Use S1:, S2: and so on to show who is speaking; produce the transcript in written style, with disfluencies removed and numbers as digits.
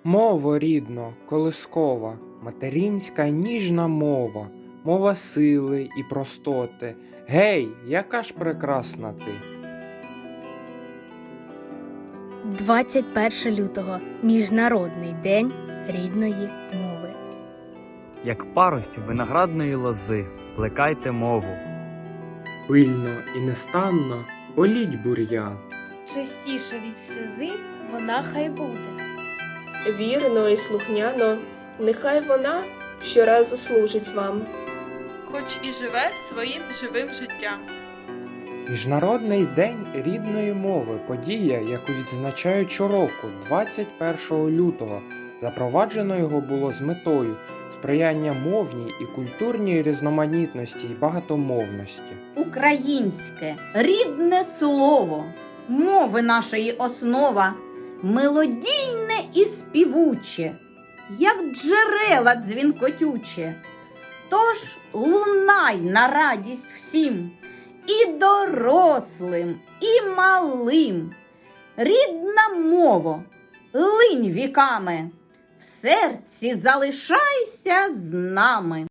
S1: Мово рідно, колискова, материнська ніжна мова, мова сили і простоти. Гей, яка ж прекрасна ти!
S2: 21 лютого – Міжнародний день рідної мови.
S3: Як паростю виноградної лози, плекайте мову.
S1: Пильно і нестанно політь бур'ян.
S2: Частіше від сльози вона хай буде.
S4: Вірно і слухняно, нехай вона щоразу служить вам.
S5: Хоч і живе своїм живим життям.
S1: Міжнародний день рідної мови – подія, яку відзначають щороку, 21 лютого. Запроваджено його було з метою сприяння мовній і культурній різноманітності і багатомовності.
S6: Українське, рідне слово, мови нашої основа, мелодійне і співуче, як джерела дзвінкотюче. Тож лунай на радість всім, і дорослим, і малим. Рідна мова, линь віками, в серці залишайся з нами.